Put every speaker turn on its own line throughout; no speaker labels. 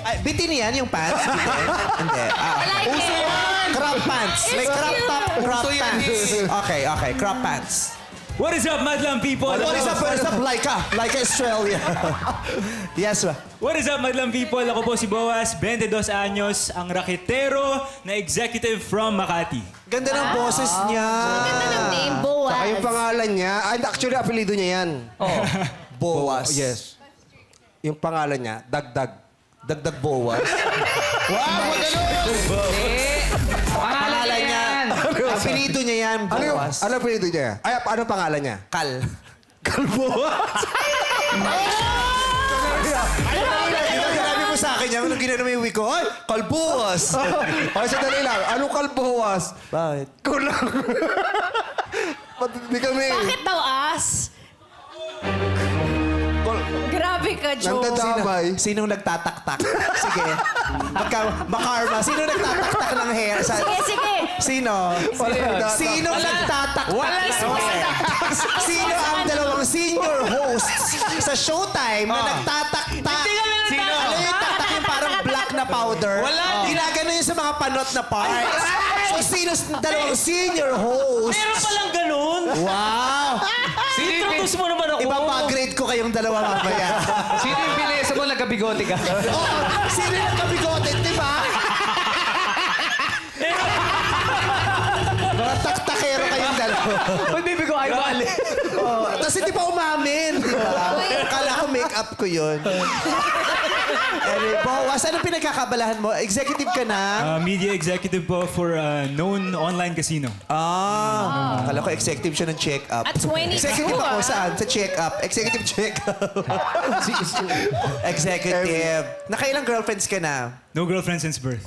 Ay, bitin yan yung pants? Bitin? Hindi.
Uso yan!
Crop pants. Like crop top, crop
Uso yan
pants.
eh.
Okay, okay. Crop pants.
What is up, Madlang people?
What is up, Laika? Laika Australia. Yes, ba?
What is up, Madlang people? Ako po si Boaz, 22 anyos, ang raketero na executive from Makati.
Ganda ng boses niya.
Ganda ng name, Boaz.
Saka yung pangalan niya, actually, apelido niya yan.
Oh. Boas.
Yes. Yung pangalan niya, Dagdag.
Dagdag Boas. Wow,
Pangalan niya.
Apelido niya yan, Boas.
Ano apelido niya? Ay, ano pangalan niya?
Kal.
Kalboas.
Sinabi mo sa akin yan, nung ginano mo yung wig ko, ay, Kalboas.
Ay, sandali lang. Anong kalboas?
Bakit?
Kulang. Ba't hindi kami?
Bakit daw as? Grabe ka, Joe.
Nandadamay.
Sinong nagtataktak? Sige. Makarma. Sinong nagtataktak ng hair?
Sige, sige.
Sino? Sinong nagtataktak? Sino ang dalawang senior hosts sa Showtime na nagtataktak?
Sino?
Alam yung tatak yung parang black na powder?
Wala.
Ginagano yun sa mga panot na parts. So, sino dalawang senior hosts?
Meron palang ganun.
Wow!
Introduce mo naman ako.
Ipapagrade ko kayong dalawa mamaya.
Sino yung pinesa mo? Nagkabigote ka.
Oo, sino yung kabigote, di ba? Mga taktakero kayong dalawa.
Uy, baby ko, ay bali.
Oh, tapos hindi pa umamin, di ba? Kala ko make-up ko yun. Anyway, Boas, anong pinagkakabalahan mo? Executive ka na?
Media executive po for a known online casino.
Kala ko executive siya ng check-up.
At 22,
Executive ako saan? Sa check-up. Executive check-up. Executive. Nakailang girlfriends ka na?
No girlfriend since birth.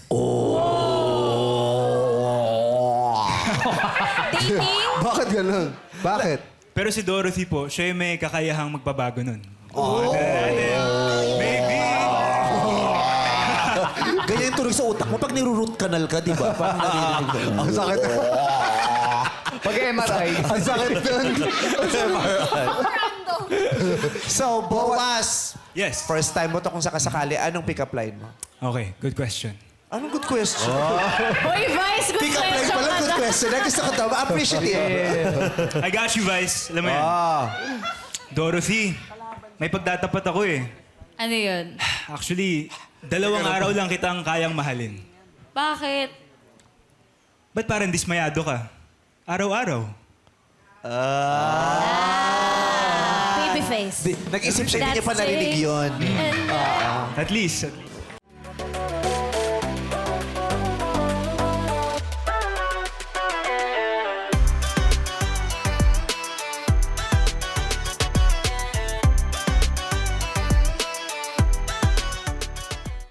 Dating?
Bakit ganun? Bakit?
Pero si Dorothy po, siya yung may kakayahang magbabago nun. Maybe.
Ganyan yung tuloy sa utak mo pag niru-root canal ka, di ba? Parang narinig ko.
Ang sakit.
Pag-MRI.
Ang sakit nun.
So, Boas,
Yes.
first time mo to kung sakasakali, anong pick-up line mo?
Okay, good question.
Anong good question?
Hoy, Vice, good
Pick-up line
question
pala,
ka
good
na.
question. Gusto ko to, appreciative.
I got you, Vice. Alam mo yan. Dorothy, may pagtatapat ako eh.
Ano yun?
Actually, 2 araw lang kitang kayang mahalin.
Bakit?
Ba't parang dismayado ka? Araw-araw.
Baby face.
Nag-isip siya, hindi niya pa narinig yun.
At least.